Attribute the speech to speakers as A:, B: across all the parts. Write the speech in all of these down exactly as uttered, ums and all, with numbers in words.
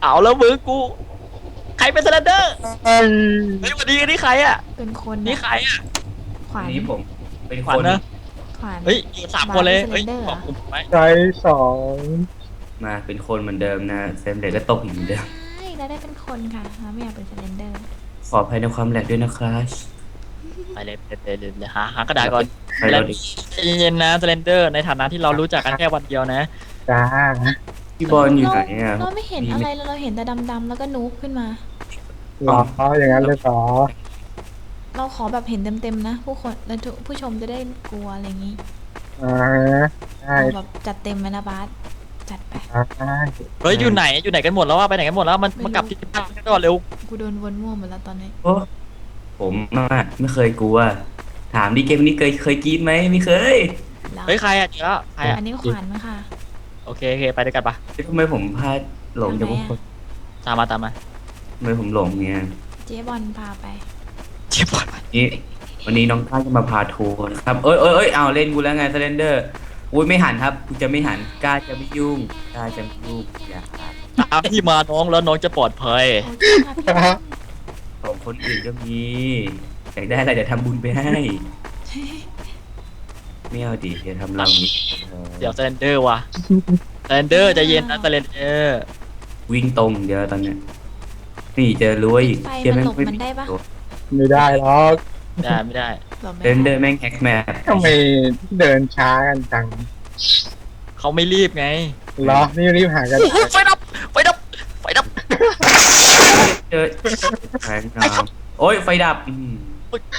A: เอาแล้วมือกูใครเป็นสแลนเดอร์
B: เอ้ย
A: เฮ้ยวันนี้นี่ใครอ่ะ
C: เป็นคน
A: นี่ใครอ่ะ
C: ขวาน
D: นี้ผมเป็น
A: ข
D: ค
A: วัญ
D: น
A: นะ
C: ขวาน
A: เฮ้ยอยู่สามคนเลยเฮ้ย
C: บาร์เป็น
A: บอก
C: Slender
A: ผมไหม
B: ใจสอง
D: มาเป็นคนเหมือนเดิมนะเซมเด็กก็ตกอยู่เหมือนเดิม
C: ใช่แล้วได้เป็นคนค่ะเราไม่อยากเป็นสเลนเดอร์
D: ขออภัยในความแหลกด้วยนะครับ
A: ไปเลยไปเลยเลยเลยหาหากระดาษก่อน
D: ไปเราดิ
A: ใจเย็นๆนะสแลนเดอร์ในฐานะที่เรารู้จักกันแค่วันเดียวนะ
B: จ้า
D: พี่บอลอยู่ไหนอ่ะ
C: เราไม่เห็นอะไรเลยเราเห็นแต่ดำๆแล้วก็นูบขึ้นมา
B: หรออย่างนั้นเลยเหรอ
C: เราขอแบบเห็นเต็มๆนะผู้คนแล้วผู้ชมจะได้กลัวอะไรอย่างนี้
B: อ่าได้
C: เราแบบจัดเต็มไหมนะบาสจัดไป
B: ได้
A: เฮ้ยอยู่ไหนอยู่ไหนกันหมดแล้วว่าไปไหนกันหมดแล้วมันมากลับที่บ้านกันก่อนเร็ว
C: กูโดนวนมั่วหมดแล้วตอนนี้
D: โอ้ผมอะไม่เคยกลัว ถามดิเกมนี้เคยเคยกรีดไหมไม่เคย
C: แล้ว
A: เฮ้ยใครอ่ะเจอแล้วใครอ่ะ
C: อันนี้ขวานค่ะ
A: โอเคโอเคไปด้วยกันปะ
D: ทำไมผมพลาดหลงจากพวกคน
A: ตามมาตามมา
D: ทำไมผมหลงเนี่ย
C: เจ๊บอลพาไป
A: เจ็บปวด
D: นี่วันนี้น้องก้าจะมาพาทัวร์นะครับเอ้ยเอ้ยเอ้ยเอาเล่นกูแล้วไงสเลนเดอร์อุ้ยไม่หันครับกูจะไม่หันกล้าจะไม่ยุ่งกล้าจะไม่ยุ่งอย่าหัน
A: ตามพี่มาน้องแล้วน้องจะปลอดภัย
C: โอเคค่ะพี่บอล
D: ของคนอื่นก็มีอยากได้อะไรเดี๋ยวทำบุญไปให้ไม่เอาดิเดี๋ยวทำเรานี้
A: เดี๋ยวสแลนเดอร์ว่ะสแลนเดอร์ใจเย็นนะสแลนเดอร์
D: วิ่งตรงเดี๋ยวตอนเนี้ยนี่เจอรวยอีก
C: ไฟ
D: เชี่ย
C: มัน
D: แม่ง
C: หลบ
D: ไม่
C: มันได้ปะ
B: ไม่ได้หรอก
A: ได้ไม่ได้
C: หลบไม่
D: เดินเดิ
C: ได้
D: นแม่งแฮกแมป
B: ทำไมเดินช้ากันจัง
A: เขาไม่รีบไง
B: เหรอนี่รีบหากัน
A: โอ้โหไฟดับไฟดับไฟดับ
D: เจอแทงน้ำโอ้ยไฟดับอืม
C: เปิด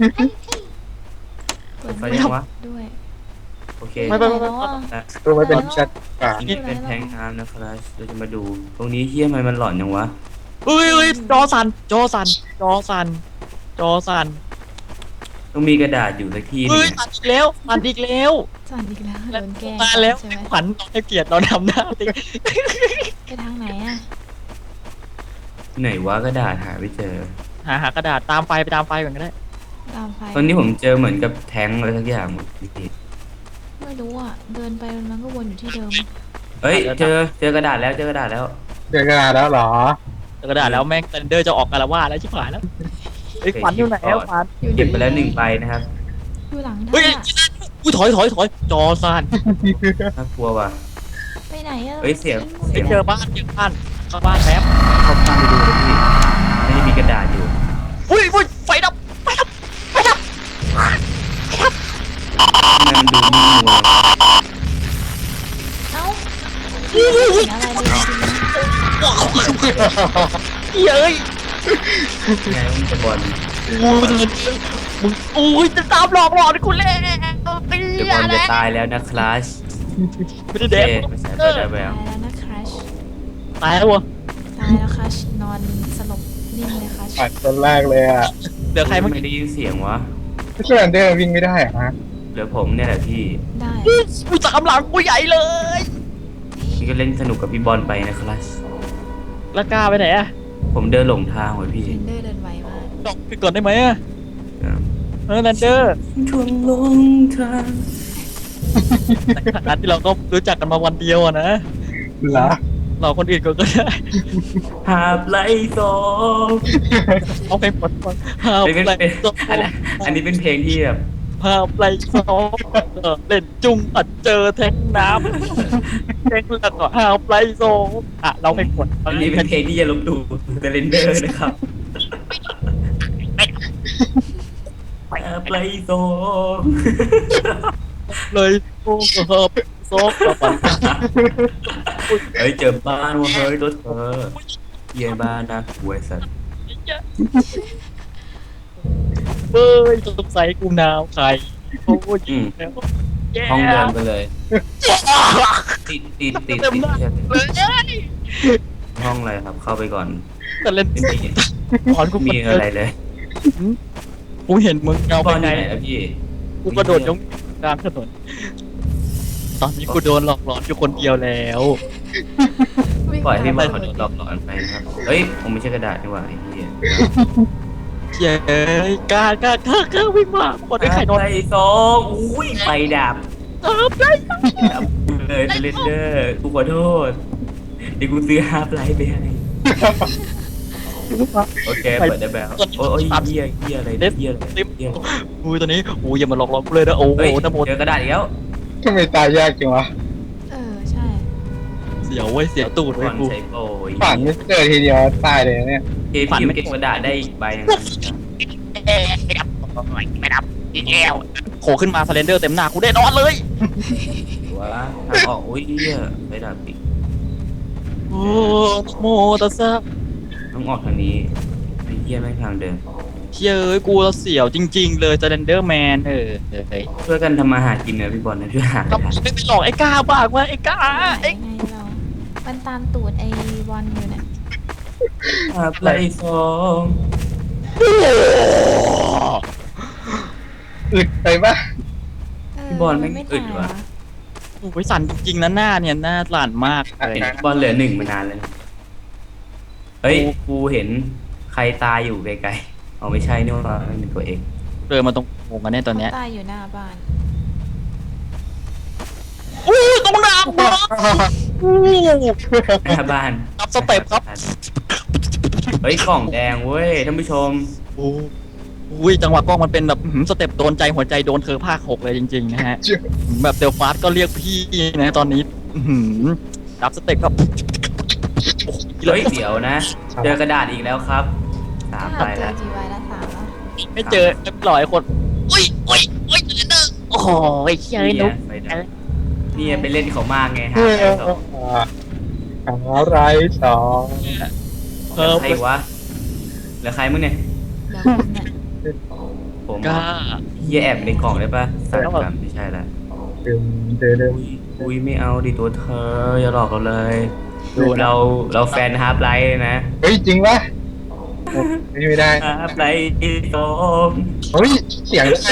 D: ไฟ
C: ไม่
D: ยังวะ
C: ด้วย
D: โอเค
A: ไม่ไม่ไม่
C: แล้วอ่ะ
B: ตัวไม่เป็นชัดอ่ะ
D: นี่เป็นแทงน้ำนะครับเราจะมาดู ตรงนี้เฮี้ยทำไมมันหลอนยังวะ
A: เฮ้ยเฮ้ยจอสันจอสันจอสันจอสัน
D: ต้องมีกระดาษอยู่สักที่หนึ
A: เฮ้
D: ง
A: ยสันอีกแล้วสันอีกแล้ว
C: สั่นอีกแล้วโดนแกล้ง
A: มาแล้ว
C: ใช่ไหม
A: ขวัญให้เกียรติเราทำหน้าติ
C: ไปทางไหนอ่ะ
D: ไหนวะกระดาษหาไม่เจอ
A: หาหากระดาษตามไฟไปตามไฟก่อนก็ได้
C: ตามไฟ
D: ตอนนี้ผมเจอเหมือนกับแทงอะไรสักอย่างพี่
C: ไม่รู้อ่ะเดินไปมันก็วนอยู่ที่เดิม
D: เฮ้ยเจอเจอกระดาษแล้วเจอกระดาษแล้ว
B: เจอกระดาษแล้วเหรอ
A: กระดาษแล้วแม่งเซนเดอร์จะออกกาละว่าแล้วชิบหายแล้วไอ้ยขวัญอยู่ไหนแล้วขวัญ
C: อยู่
D: เก็บไปแล้วหนึ่งใบนะครับ
C: อยู่หลัง
A: เฮ้ย
C: ท่า
A: อุ้ยถอยถอยถอยจอสัน
D: น่ากลัวว่ะ
C: ไปไหนอ่ะ
D: เฮ้ยเสียง
A: ไปเจอบ้านเจอบ้านเข้าบ้านแป๊บ
D: เข้าบ้านไปดูเลยพี่ไม่ได้มีกระดาษอยู่
A: อุ้ยอุ้ยไฟดับไฟดับไฟดับ
D: ทำไมมันดูนิ่งๆวะ
C: เอ้าไม่เห็นอะไรเลยจริงๆนะ
A: เย้ย
D: ไงมันจะบอล
A: กูเดินมึงอุ้ยจะตามหลอกหลอนกูแล้ว
D: เดี๋ยวบอลจะตายแล้วนะคลาส
A: ไม่ได้
D: เจ
A: เด็ก
D: ไม่ใช่ตัวได้แว
C: ตายว แล้วนะครัช
A: ตายแล้ววะ
C: ตายแล้วครัชนอนสลบนิ่งเลยครัช
B: ปัดคนแรกเลยอ่ะ
A: เหลือใครเมื่อ
D: ไม่
A: กี้
D: ได้ยินเสียงวะ
B: ไม่ใช่อันเดอร์วิ่งไม่ได้เหรอฮะ
D: เหลือผมเนี่ยแหละพี่
C: ได้
A: กูตามหลังกูใหญ่เลย
D: นี่ก็เล่นสนุกกับพี่บอลไปนะคลาส
A: แล้วกล้าไปไหนอะ
D: ผมเดินหลงทางไว้พี่
C: เทรนเดอร์เดินไวมาก
A: ดอกไปก่อนได้ไหมอะเออนันเดอร์
D: ชวนลงทาง
A: ในฐานะที่เราก็รู้จักกันมาวันเดียวอะนะ
B: เหรอ
A: เราคนอื่นก็ก็ได้
D: หาบไล่สอง
A: เอาเพลงปลดก่อนหา
D: อันนี้เป็น
A: ไหล
D: เป็น
A: สอง
D: อันนี้อันนี้เป็นเพลงที่แบบ
A: หาไหลสองเออเล่นจุงอัดเจอแทงน้ำแทงแล้วก็หาไหลสองอ่ะเราเพลงปลด
D: อันนี้เป็นเพลงที่จะลบดูเดลนเดอร์นะครับหาบไล่สอง
A: เลยโอ้โหโซ่กระปัน
D: เฮ้ยเจอบ้านว่ะเฮ้ยรถเธอเยี่ยบ้านนะหวยสัตว์
A: เบ้ยสงสัยกูหนาวใครโอ้ยแล้ว
D: ห้องเดิมไปเลยติดติดติด
A: เต็ม
D: ติด
A: หน้า
D: ติด
A: เลย
D: ห้องอะไรครับเข้าไปก่อน
A: แต่เล่น
D: ไม่มี
A: ถอนกู
D: มีอะไรเลย
A: กูเห็นมึงเงา
D: บ
A: ไป
D: อลอ
A: ไง
D: ยู่ไหนอะพี่
A: กูกระโดดยงกลางถนนตอนนี้กูโดนหลอกหลอนอยู่คนเดียวแล้ว
C: วิ่ง
D: ปล่อยให้บอล
C: ตาม
D: หลอกหลอนไปนะครับเฮ้ยผมไม่ใช่กระดาษนี่หว่าไอ้เหี้ย
A: เย้ยกล้ากล้ากล้ากล้าวิ่งมาคนได้ใครโดน
D: ไอ้สองอุ้ยไฟดับ
A: ตามได้
D: ดับเลยเซเลนเดอร์กูขอโทษเดี๋ยวกูซื้อฮาร์ปไลท์ไปให้โอเคเปิดได้แบบโอ้ยเหี้ยเหี้ยอะไรเหี้ยอะไร
A: ลิฟ
D: เหี้ย
A: อุ้ยตอนนี้อุ้ยอย่ามาหลอกหลอนกูเลยนะโอ้โห
D: เฮ้ย
A: นะโม
D: เจอกระดาษอีกแล้ว
B: ทำไมตายยากจังวะ
C: เออใช่
A: เสียวเว้ยเสียวตูด
D: ก่
A: เว้
D: อย น
A: กู
D: ใช้โปรย
B: ฝันไม่เจอทีเดียวตายเลยเนี่ย
D: เกมที่เก็บกระดาษได้อีกใบนึง
A: ไม่ดับไม่ดับอีกแล้วโผล่ขึ้นมาสเลนเดอร์เต็มหน้ากูได้นอนเลย
D: ว้าทางออกอุ้ยเหี้ยไปดาบอีก
A: โอ้โมตัสสะ
D: ต้องออกทางนี้ไอ้เหี้ยแม่งทางเดิน
A: เฮ้ยเอ้ยกูเสียวจริง ๆ เลยสเลนเดอร์แมนเออเฮ้ย
D: ช่วยกันทำมาหากินนะพี่บอลนะช่วยหา
A: ก็
D: หา
A: ไม่ไปหลอกไอ้ก้าบ้างว่าไอ้ก้า
C: ไหน
A: ไอ้
C: ไงเรา มันตามตูดไอ้บอลอยู่เนี่ย
D: หาไล่สอง
B: อึดไปปะ
C: เ
D: พี่บอลแม่ง
C: ไม่
D: อึด
C: ตาย
D: ว่ะ
C: วะ
A: โอ้ยสั่นจริงๆนะหน้าเนี่ยหน้าหลานมากเลย
D: เห็นพี่บอลเหลือหนึ่งมานานแล้วนะเฮ้ยกูเห็นใครตายอยู่ไกลๆเอาไม่ใช่นี่ว่าเป็นตัวเอง
A: เดินมาตรงโงกันเนี่ยตอนเนี้ย
C: เขาตายอยู่หน้าบ้าน
A: อู้ตรงน้ำบอสอู้
D: หน้าบ้าน
A: รับสเต็ปครับ
D: เฮ้ยกล่องแดงเว้ยท่านผู้ชม
A: โอ้อุ้ยจังหวะกล้องมันเป็นแบบอื้อหือสเต็ปโดนใจหัวใจโดนเธอภาคหกเลยจริงๆนะฮะ แบบเดลฟาสก็เรียกพี่นะตอนนี้อื้อหือรับสเต็ปครับโอ้โห
D: เฮ้ยเดี๋ยวนะ เจอกระดาษอีกแล้วครับสามใบ
C: เจ
D: แล้
C: อ
D: ว
C: กี่ใบแล้วสามแล้ว
A: ไม่เจอไม่ปล่อยคนอุ้ยอุ้ยอุ้ยเดนเดอร์โอ้โหไอ้เชี่ยไอ้นุ๊ก
D: ไปดับนี่ไปเล่นเขามากไงฮะ
B: เออ
D: ไอ้สอง
B: อะไรสอง
A: เออ
D: ใครวะเหลือใครมึงเนี่ย
C: เดี๋ยวคุณเนี่ย
D: ผม
A: กล้า
D: เฮียแอบในกล่องได้ปะสายกรรมไม่ใช่ละ
B: ดึงเดินเดิน
D: อุ้ยอุ้ยไม่เอาดิตัวเธออย่าหลอกเราเลย
B: ดูนะ
D: เราเราแฟนฮาร์ปไลท์นะ
B: เฮ้ยจริงปะไม่ไม่ได้
D: ฮาร์ปไลท์สอง
B: เฮ้ยเสียงใคร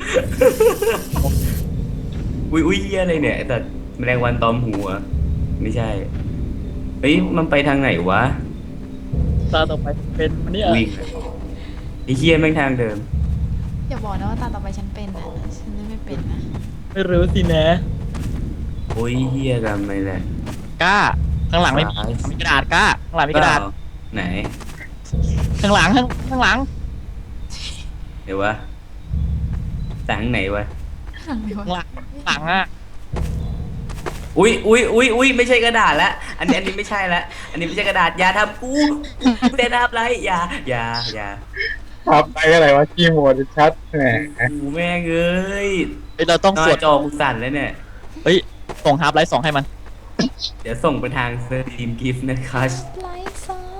D: อุ้ยอุ้ยเฮียอะไรเนี่ยแต่แมลงวันตอมหัว ไม่ใช่เฮ้ยมันไปทางไหนวะ
A: ตาต่อไปเป็นอันเนี่ย
D: วิ่งอะไอ้เฮียแม่งทางเดิม
C: อย่าบอกนะว่าตาต่อไปฉันเป็นนะฉันเล่นไม่เป็นนะ
A: ไม่รู้สินะ
D: โอ้ยเฮียกันไปเลย
A: กล้าข้างหลังไม่มี
D: ซ้าย
A: มีกระดาษกล้าข้างหลังมีกระดาษ
D: เปล่ไหน
A: ข้างหลังข้างข้างหลัง
D: เดี๋ยววะต่างไหนวะ
C: หันไปวะ
A: ข้างหลังข้างหลังอ่ะ
D: อุ้ยอุ้ยอุ้ยอุ้ยไม่ใช่กระดาษละอันนี้อันนี้ไม่ใช่ละอันนี้ไม่ใช่กระดาษอย่าทำกูกูเต้นอัพไรอย่าอย่าอย่า
B: ครับไปอะไรวะขี้โมดชัดแหม
D: กูแม่งเอ้ย
A: เฮ้ยเราต้อง
D: หน้า
A: สวด
D: จอกูสั่นแล้วเนี่ย
A: เฮ้ยส่งฮาร์ปไลท์สองให้มัน
D: เดี๋ยวส่งไปทางสตรีมกิฟต์นะครับ
C: ไลฟ์ซอง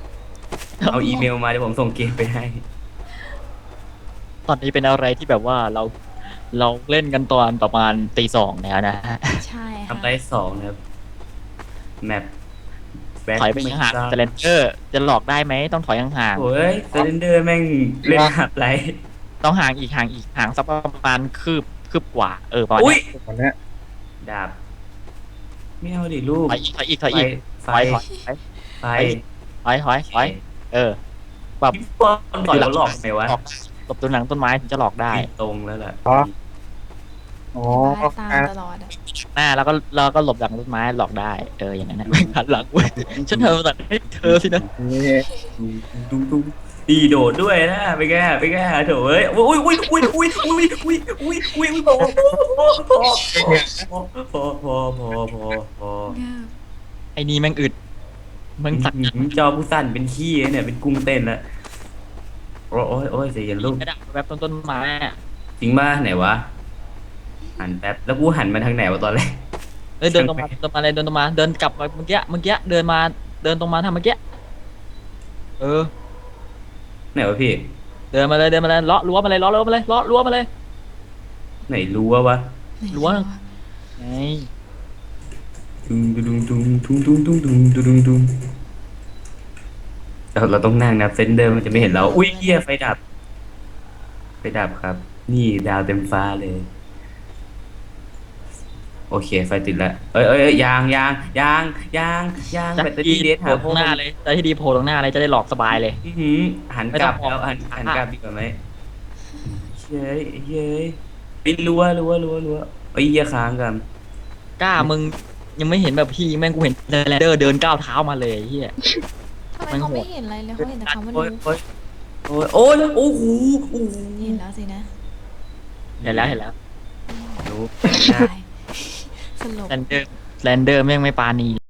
D: เอาอีเมลมาเดี๋ยวผมส่งเกมไปให้
A: ตอนนี้เป็นอะไรที่แบบว่าเราเราเล่นกันตอนประมาณตีสองแล้วนะฮะ
C: ใช่ค่ะ
D: ทำได้สองนะครับแมปแบ็ค
A: ถอยไปห่างๆสเลนเดอร์จะหลอกได้ไหมต้องถอยห่าง
D: โอ้ยเซเลนเดอร์แม่งเล่นหับไร
A: ๆต้องห่างอีกห่างอีกห่างสักประมาณคืบคืบกว่าเออประมาณ
D: อุ้ย
A: เนี้ย
B: วันเนี้ย
D: ดาบไม่เอาดิลูก
A: ถอยอีกถอยอีกถอยอีก
D: ไฟ
A: ถอยถอย
D: ไฟ
A: ถอยถอยถอยเออแบบ
D: พี่บอลต่อยแล้วหลอกไหมวะ
A: หลอกหลบตัวหลังต้นไม้ถึงจะหลอกได้
D: ตรงแล้วแหละ
B: อ๋อ
C: บ้าตามตลอดอะ
A: หน้าแล้วก็แล้วก็หลบหลังต้นไม้หลอกได้เอออย่างนั้นนะไม่หันหลังเว้ยฉันเธอตัดให้เธอสินะ
B: นี่
D: ดูดูดีโดดด้วยนะไปแก้ไปแก้โถเอ้ยอุ้ยอุ้ยอุ้ยอุ้ยอุ้ยอุ้ยอุ้ยอุ้ยอุ้ยพอพอพอพอพอพอพอ
C: เงือบ
A: ไอ้นี่แม่งอึดแม่งสั่น
D: จอผู้สั่นเป็นขี้เนี่ยเป็นกุ้งเต้นแล้วโอ้ยโอ้ยโอ้ยเสียลูก
A: กระดาษแบบต้นต้นไม้อะ
D: จริงป่ะไหนวะหันแป๊บแล้วกูหันมาทางไหนวะตอนแรก
A: เอ้ยเดินตรงมาเดินมาเลยเดินตรงมาเดินกลับมาเมื่อกี้เมื่อกี้เดินมาเดินตรงมาทำเมื่อกี้เออ
D: ไหนวะพี่
A: เดินมาเลยเดินมาเลยเลาะรั้วมาเลยเลาะรั้วมาเลยเลาะรั้วมาเลย
D: ไหนรู้วะวะ
A: รั้ว ไง
D: ดุงดุงดุงดุงดุงดุงดุงดุงดุงดุงเราเราต้องนั่งนะเซนเดอร์มันจะไม่เห็นเราอุ้ยเหี้ยไฟดับไฟดับครับ นี่ดาวเต็มฟ้าเลย โอเคไฟติดแล้วเอ้ยเอ้ยเอ้ยยางยางยางยางยาง
A: จะ
D: แบตเตอ
A: ดี
D: รี่เดท
A: โผ
D: หา
A: ล่ตรงหน้าเลยจะที่ดีโผล่ตรงหน้าเลยจะได้หลอกสบายเลย
D: อื้อหือหัน
A: ไม่
D: ก
A: ต้
D: ลั
A: อบ ง
D: แล้วหัน
A: มอง
D: หันกลับดีกว่าไหมเย้ยเย้ยปิดรั้วรั้วรั้วรั้วไอ้ยเหี้ยค้างกัน
A: กล้ามึงยังไม่เห็นแบบพี่แม่งกูเห็นแลนเดอร์เดินก้าวเท้ามาเลยไอ้เฮีย
C: ท
A: มัน
C: เขา
A: โห
C: ไม่
A: ด
C: เห็นอะไรเลยเขาเห็นแต่คำว่า
D: โอ้ย
C: รู้
D: โอ้ยโอ้ยโอ้ยโอ้โหโอ้โห
C: เห็นแล้วสินะ
A: เห็นแล้วเห็นแล้วรู้
C: ตายสลบ
A: แรนเดอร์แรนเดอร์แม่งไม่ปานี